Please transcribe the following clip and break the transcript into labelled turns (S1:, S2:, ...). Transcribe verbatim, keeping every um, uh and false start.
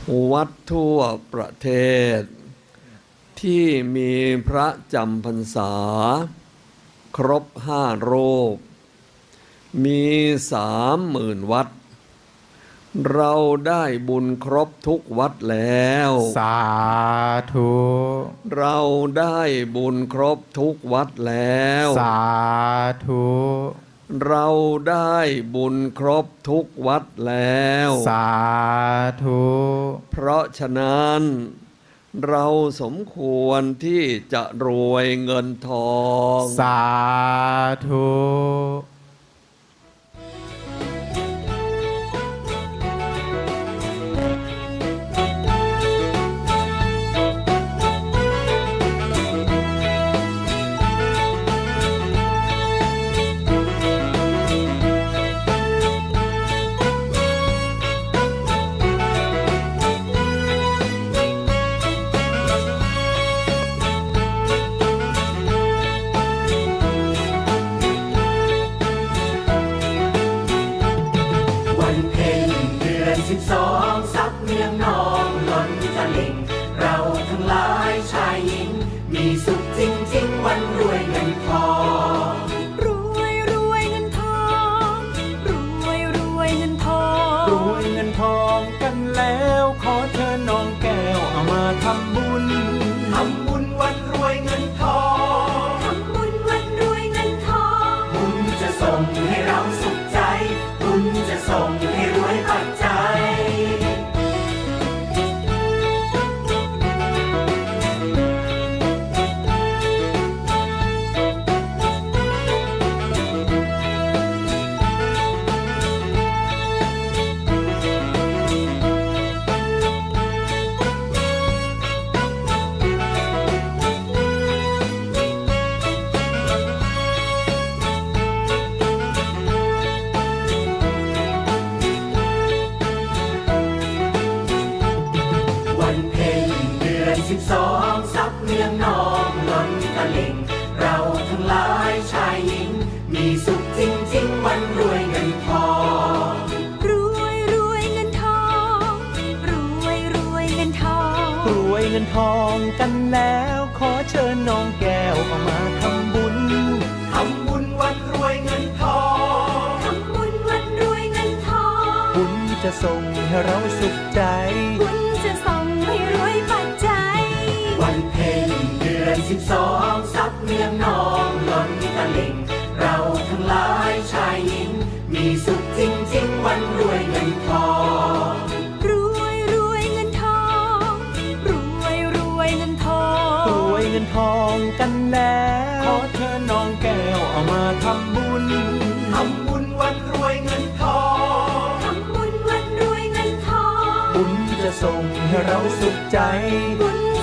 S1: วัดทั่วประเทศที่มีพระจำพรรษาครบห้ารูปมีสามหมื่นวัดเราได้บุญครบทุกวัดแล้ว
S2: สาธุ
S1: เราได้บุญครบทุกวัดแล้ว
S2: สาธุ
S1: เราได้บุญครบทุกวัดแล้ว
S2: สาธุ
S1: เพราะฉะนั้นเราสมควรที่จะรวยเงินทอง
S2: สาธุ
S3: สิบสองซับเมืองนองล้นตลิ่งเราทั้งหลายชายหญิงมีสุขจริงๆวันรวยเงินทอง
S4: รวยรวยเงินทองรวยรวยเงินทอง
S3: รวยเงินทองกันแล้วขอเชิญน้องแก้วเอามาทำบุญทำบุญวันรวยเงินทอง
S4: ทำบุญวันรวยเงินทอง
S3: บุญจะส่งให้เราสุขใจบุญจะส่งให้รวยปัจจัยสิบสองซับเมืองนองล้นตลิ่งเราทั้งหลายชายหญิงมีสุขจริงๆวันรวยเงินทอง
S4: รวยรวยเงินทองรวยรวยเงินทอง
S3: รวยเงินทองกันแล้วขอเชิญน้องแก้วเอามาทำบุญทำบุญวันรวยเงินทอง
S4: ทำบุญวันรวยเงินทอง
S3: บุญจะส่งให้เราสุขใจ
S4: บุญจะส่งให้รวยปัจจัย
S3: วันเพ็ญเดือนสิบสองซับเมืองนองล้นตลิ่งเราทั้งหลายชายหญิงมีสุขจริงๆวันรวยเงินทอง
S4: รวยรวยเงินทองรวยรวยเงินทอง
S3: รวยเงินทองกันแล้วขอเชิญน้องแก้วเอามาทำบุญทำบุญวันรวยเงินทอง
S4: ทำบุญวันรวยเงินทอง
S3: บุญจะส่งให้เราสุขใจ
S4: บุญ